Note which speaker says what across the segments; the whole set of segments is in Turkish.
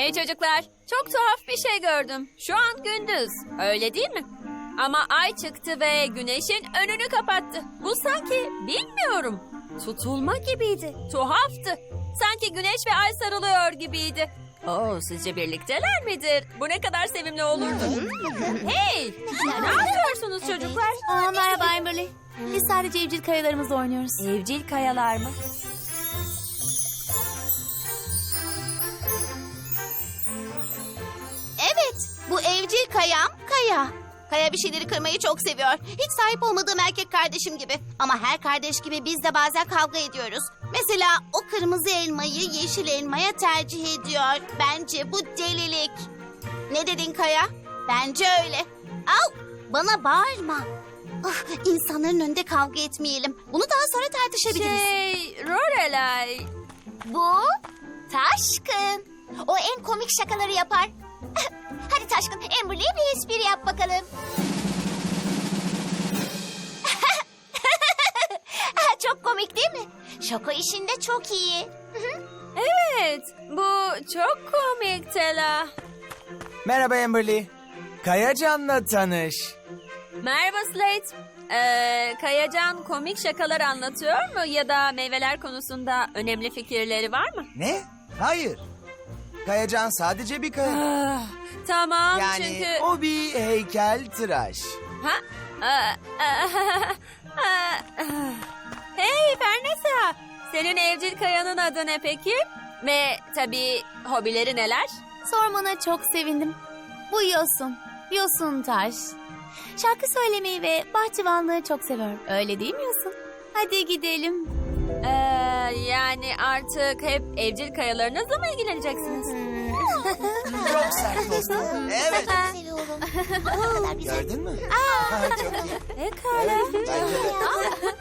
Speaker 1: Hey çocuklar, çok tuhaf bir şey gördüm. Şu an gündüz, öyle değil mi? Ama ay çıktı ve güneşin önünü kapattı. Bu sanki, bilmiyorum, tutulma gibiydi. Tuhaftı. Sanki güneş ve ay sarılıyor gibiydi. Oo, sizce birlikteler midir? Bu ne kadar sevimli olurdu. Hey, ne yapıyorsunuz çocuklar?
Speaker 2: Merhaba Amberley. Biz sadece evcil kayalarımızla oynuyoruz.
Speaker 1: Evcil kayalar mı?
Speaker 3: Evet, bu evcil kayam Kaya. Kaya bir şeyleri kırmayı çok seviyor. Hiç sahip olmadığım erkek kardeşim gibi. Ama her kardeş gibi biz de bazen kavga ediyoruz. Mesela o kırmızı elmayı yeşil elmaya tercih ediyor. Bence bu delilik. Ne dedin Kaya? Bence öyle. Au, bana bağırma. İnsanların önünde kavga etmeyelim. Bunu daha sonra tartışabiliriz.
Speaker 1: Lorelai.
Speaker 3: Bu Taşkın. O en komik şakaları yapar. Hadi Taşkın, Amberley'e bir espri yap bakalım. Çok komik değil mi? Şaka işinde çok iyi.
Speaker 1: Evet, bu çok komik Tela.
Speaker 4: Merhaba Amberley. Kayacan'la tanış.
Speaker 1: Merhaba Slate. Kayacan komik şakalar anlatıyor mu ya da meyveler konusunda önemli fikirleri var mı?
Speaker 4: Ne? Hayır. Kayacan sadece bir kaya.
Speaker 1: Ah, tamam
Speaker 4: Yani
Speaker 1: çünkü...
Speaker 4: o bir heykel tıraş.
Speaker 1: Ha? Hey Fernesa, senin evcil kayanın adı ne peki? Ve tabii hobileri neler?
Speaker 2: Sormana çok sevindim. Bu Yosun. Yosun Taş. Şarkı söylemeyi ve bahçıvanlığı çok seviyorum. Öyle değil mi Yosun? Hadi gidelim.
Speaker 1: Yani artık hep evcil kayalarınızla mı ilgileneceksiniz?
Speaker 4: Çok sert dostum. Evet.
Speaker 3: Seviyorum. Ne kadar güzel.
Speaker 4: Gördün mü? Ha, çok iyi.
Speaker 1: Pekala.
Speaker 4: Bence de.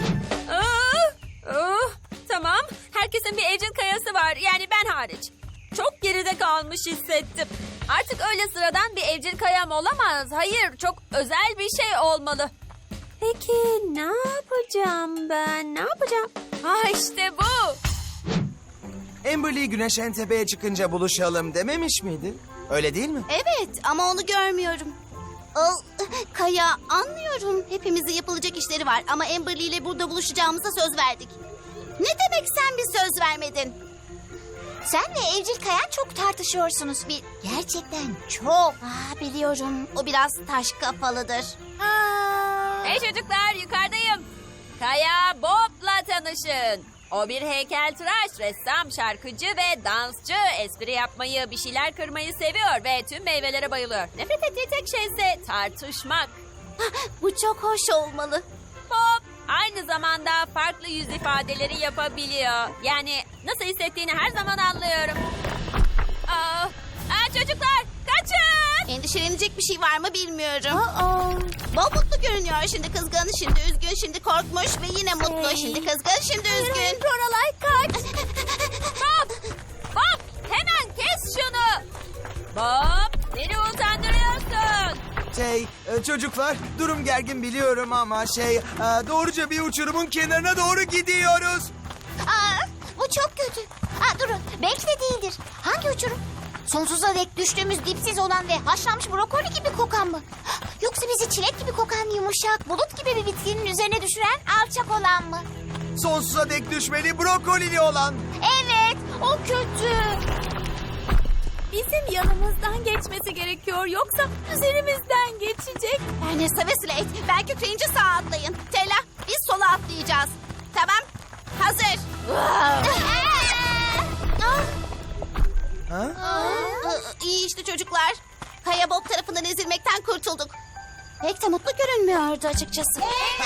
Speaker 1: Tamam, herkesin bir evcil kayası var, yani ben hariç. Çok geride kalmış hissettim. Artık öyle sıradan bir evcil kayam olamaz. Hayır, çok özel bir şey olmalı. Peki ne yapacağım ben? Ne yapacağım? Ha işte bu.
Speaker 4: Amberley Güneşen Tepe'ye çıkınca buluşalım dememiş miydi? Öyle değil mi?
Speaker 3: Evet, ama onu görmüyorum. Kaya, anlıyorum. Hepimizin yapılacak işleri var. Ama Amberley ile burada buluşacağımıza söz verdik. Ne demek sen bir söz vermedin? Senle evcil kayan çok tartışıyorsunuz. Gerçekten çok. Biliyorum. O biraz taş kafalıdır.
Speaker 1: Hey çocuklar, yukarıdayım. Kaya Bob'la tanışın. O bir heykeltıraş, ressam, şarkıcı ve dansçı. Espri yapmayı, bir şeyler kırmayı seviyor ve tüm meyvelere bayılıyor. Nefret ettiği tek şey ise tartışmak.
Speaker 3: Bu çok hoş olmalı.
Speaker 1: Bob aynı zamanda farklı yüz ifadeleri yapabiliyor. Yani nasıl hissettiğini her zaman anlıyorum. Çocuklar kaçın!
Speaker 3: Endişelenecek bir şey var mı bilmiyorum. Bob mutlu görünüyor. Şimdi kızgın, şimdi üzgün, şimdi korkmuş ve yine mutlu. Şimdi kızgın, şimdi üzgün.
Speaker 2: Lorelai kaç.
Speaker 1: Bob hemen kes şunu. Bob beni utandırıyorsun.
Speaker 4: Çocuklar durum gergin biliyorum ama doğruca bir uçurumun kenarına doğru gidiyoruz.
Speaker 3: Bu çok kötü. Durun, belki de değildir. Hangi uçurum? Sonsuza dek düştüğümüz dipsiz olan ve haşlanmış brokoli gibi kokan mı? Yoksa bizi çilek gibi kokan yumuşak, bulut gibi bir bitkinin üzerine düşüren alçak olan mı?
Speaker 4: Sonsuza dek düşmeli brokolili olan.
Speaker 3: Evet, o kötü.
Speaker 2: Bizim yanımızdan geçmesi gerekiyor. Yoksa üzerimizden geçecek.
Speaker 3: Ernesta ve Slate, ben kükreyince sağa atlayın. Tela, biz sola atlayacağız. Tamam, hazır. İyi işte çocuklar. Kaya Bob tarafından ezilmekten kurtulduk. Pek de mutlu görünmüyordu açıkçası.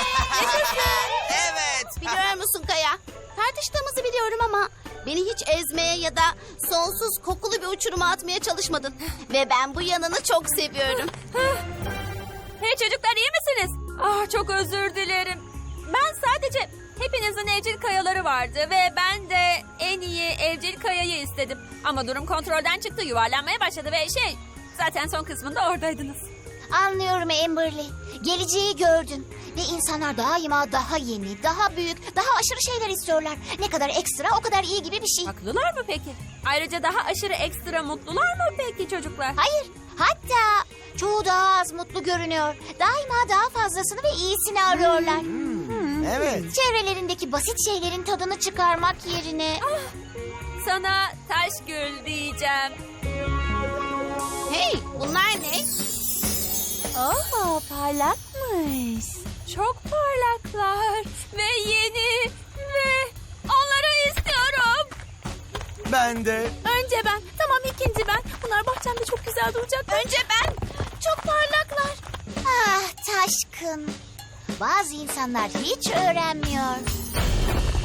Speaker 4: Evet.
Speaker 3: Biliyor musun Kaya? Tartıştığımızı biliyorum ama beni hiç ezmeye ya da sonsuz kokulu bir uçuruma atmaya çalışmadın. Ve ben bu yanını çok seviyorum.
Speaker 1: Hey çocuklar, iyi misiniz? Çok özür dilerim. Ben sadece hepinizin evcil kayaları vardı ve ben de en iyi evcil kayayı istedim. Ama durum kontrolden çıktı, yuvarlanmaya başladı ve zaten son kısmında oradaydınız.
Speaker 3: Anlıyorum Amberley. Geleceği gördün. Ve insanlar daima daha yeni, daha büyük, daha aşırı şeyler istiyorlar. Ne kadar ekstra o kadar iyi gibi bir şey.
Speaker 1: Haklılar mı peki? Ayrıca daha aşırı ekstra mutlular mı peki çocuklar?
Speaker 3: Hayır, hatta çoğu daha az mutlu görünüyor. Daima daha fazlasını ve iyisini arıyorlar.
Speaker 4: Evet.
Speaker 3: Çevrelerindeki basit şeylerin tadını çıkarmak yerine...
Speaker 1: Sana Taşgül diyeceğim.
Speaker 3: Hey, bunlar ne?
Speaker 2: Oo, parlakmış.
Speaker 1: Çok parlaklar ve yeni ve onları istiyorum.
Speaker 4: Ben de.
Speaker 2: Önce ben, tamam ikinci ben. Bunlar bahçemde çok güzel duracak.
Speaker 3: Önce ben. Çok parlaklar. Ah Taşkın. Bazı insanlar hiç öğrenmiyor.